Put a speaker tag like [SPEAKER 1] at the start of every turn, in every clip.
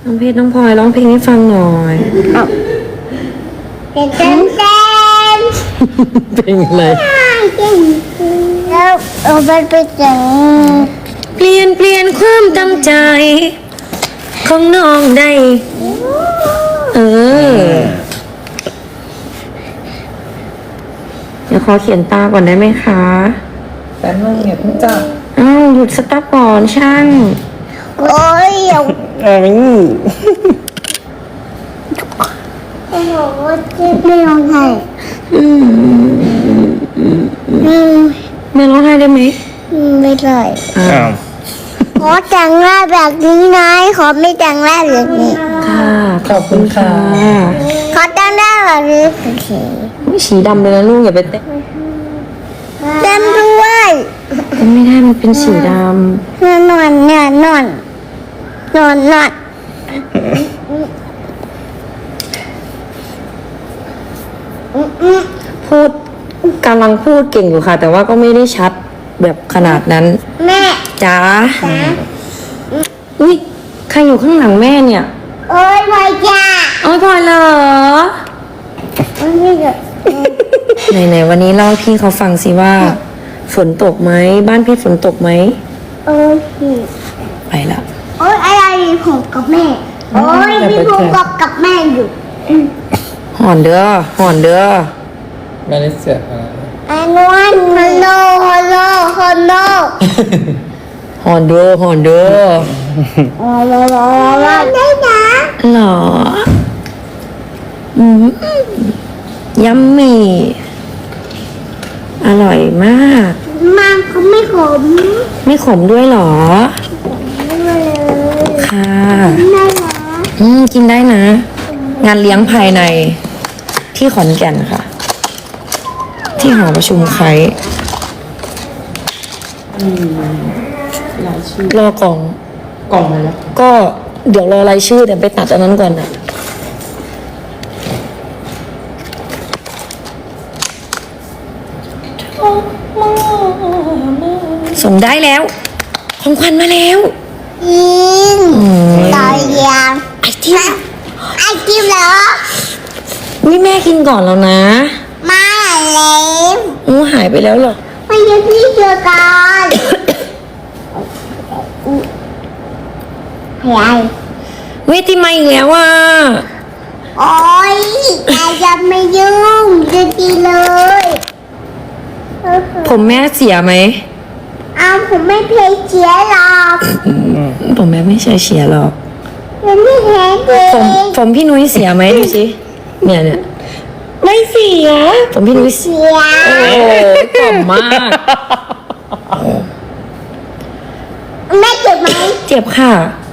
[SPEAKER 1] น้องเพชรน้องพลอยร้องเพลงให้ฟังหน่อย
[SPEAKER 2] เต้นเต้นเต้น
[SPEAKER 1] เพลงอะไร
[SPEAKER 2] แล้วเอาไปจัง
[SPEAKER 1] เปลี่ยนความตั้งใจ ของน้องได้เดี๋ยวขอเขียนตาก่อนได้ไหมคะ
[SPEAKER 3] แป๊บนึงอย่าเพิ่งจับ
[SPEAKER 1] หยุดสต๊อปก่อนช่าง
[SPEAKER 2] โอ้ยอย่าไม่ร้องไห้
[SPEAKER 1] ไม่ร้องไห้ได้ไหม
[SPEAKER 2] ไม่ได้
[SPEAKER 3] อ้าว
[SPEAKER 2] ขอแต่งหน้าแบบนี้นะขอไม่แต่งหน้าแบบนี้
[SPEAKER 1] ค่ะ
[SPEAKER 3] ขอบคุณค่ะ
[SPEAKER 2] ขอแต่งหน้าแบบนี้เฉย
[SPEAKER 1] ไม่สีดำเลยนะลูกอย่าไปเต้น
[SPEAKER 2] ๆเต้นด้วย
[SPEAKER 1] ไม่ได้มันเป็นสีด
[SPEAKER 2] นอนเนี่ยนอน
[SPEAKER 1] พูดกำลังพูดเก่งอยู่ค่ะ แต่ว่าก็ไม่ได้ชัดแบบขนาดนั้น
[SPEAKER 2] แม่
[SPEAKER 1] จ๋าอุ้ยใครอยู่ข้างหลังแม่เนี่ย
[SPEAKER 2] โอ้ยพลอยจ้า
[SPEAKER 1] โอ้ยพลอยเหรอ
[SPEAKER 2] โอ้ยไม่เกิด
[SPEAKER 1] ไหนวันนี้เล่าให้พี่เขาฟังสิว่า ฝนตกไหมบ้านพี่ฝนตกไหม
[SPEAKER 2] โอ้ย
[SPEAKER 1] ไปละ
[SPEAKER 2] โอ้ยอะไรผมกับแม่โอ้ยพี่ผมกับแม่อยู่
[SPEAKER 1] หอนเด้อหอนเด้อ
[SPEAKER 3] ไม่ได้เสียอะไร
[SPEAKER 2] ไอ้นวลฮัลโหลฮัลโหลฮัลโหล
[SPEAKER 1] หอนเด้อหอนเด้อ
[SPEAKER 2] ได้นะ
[SPEAKER 1] หรอยัมมี่อร่อยมาก
[SPEAKER 2] มันเขาไม่ขม
[SPEAKER 1] ไม่ขมด้วยเหรอ
[SPEAKER 2] เลย
[SPEAKER 1] ค่ะ
[SPEAKER 2] ได้นะ
[SPEAKER 1] กินได้นะ งานเลี้ยงภายในที่ขอนแก่นค่ะ ที่หอประชุมไครรอกล่อง
[SPEAKER 3] กล่องมาแล้ว
[SPEAKER 1] ก็เดี๋ยวรอรายชื่อแต่ไปตัดอันนั้นก่อนนะส่งได้แล้ว ของขวัญมาแล้ว
[SPEAKER 2] ยิงต่อยยาง
[SPEAKER 1] ไอติม
[SPEAKER 2] ไอติมเหรอ
[SPEAKER 1] นี่แม่กินก่อนแล้วนะ
[SPEAKER 2] มาแล้ว
[SPEAKER 1] หายไปแล้วเหรอ
[SPEAKER 2] มาเยี่ยมพี่เจอกันอะไร
[SPEAKER 1] เวทีมาอีกแล้วอ่ะ
[SPEAKER 2] โอ๊ยแต่จะไม่ยุ่งจะดีเลย
[SPEAKER 1] ผมแม่เสียไหม
[SPEAKER 2] เอาผมไม่เพลย์เชียร์หรอก
[SPEAKER 1] ผมแม่ไม่ใช่เสียหรอก
[SPEAKER 2] ผมไม่แพ้เอ
[SPEAKER 1] ผมพี่นุ้ยเสียไหมดูสิเนี่ยไม่เสีย ผมพี่นุ้ยเสีย
[SPEAKER 2] เสีย
[SPEAKER 1] โอ้กล่อมมาก
[SPEAKER 2] แม่เจ็บไหม
[SPEAKER 1] เจ็บค่ะ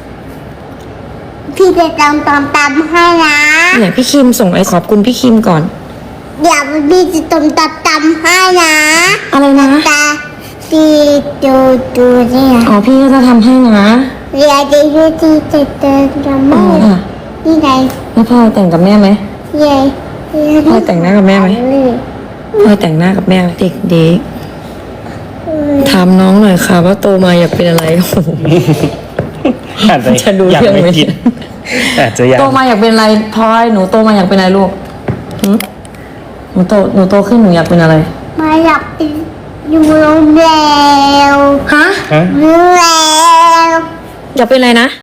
[SPEAKER 2] พี่จะตำให้นะ
[SPEAKER 1] เนี่ยพี่คิมส่งไอ้ขอบคุณพี่คิมก่อน
[SPEAKER 2] เดี๋ยวพี่จะตำให้นะ
[SPEAKER 1] อะไรนะ
[SPEAKER 2] ตาพี่ดูเนี่ย
[SPEAKER 1] อ๋อพี่ก็จะทำให้นะ
[SPEAKER 2] เดี๋ยวที่จะทำ
[SPEAKER 1] อ๋อ
[SPEAKER 2] ให้
[SPEAKER 1] ค่ะ
[SPEAKER 2] นี่ไง
[SPEAKER 1] แล้วพ่อแต่งกับแม่ไหม
[SPEAKER 2] เย้
[SPEAKER 1] พ่อแต่งหน้ากับแม่ไหมพ่อแต่งหน้ากับแม่ไหมเด็กถามน้องหน่อยค่ะ ว่าโตมาอยากเป็นอะไรโอ้โห
[SPEAKER 3] อาจจะ
[SPEAKER 1] จะดู
[SPEAKER 3] อยาก
[SPEAKER 1] เรื่อง
[SPEAKER 3] ไม่
[SPEAKER 1] ไหม
[SPEAKER 3] คิดอาจจะยัง
[SPEAKER 1] โตมาอยากเป็นอะไรพลอยหนูโตมาอยากเป็นอะไรลูกหึหนูโตขึ้นหนูอยากเป็นอะไร
[SPEAKER 2] มาหลับอยู่โรงแรม
[SPEAKER 1] ฮะ
[SPEAKER 3] ฮะ
[SPEAKER 2] โรงแรม
[SPEAKER 1] อยากเป็นอะไรนะ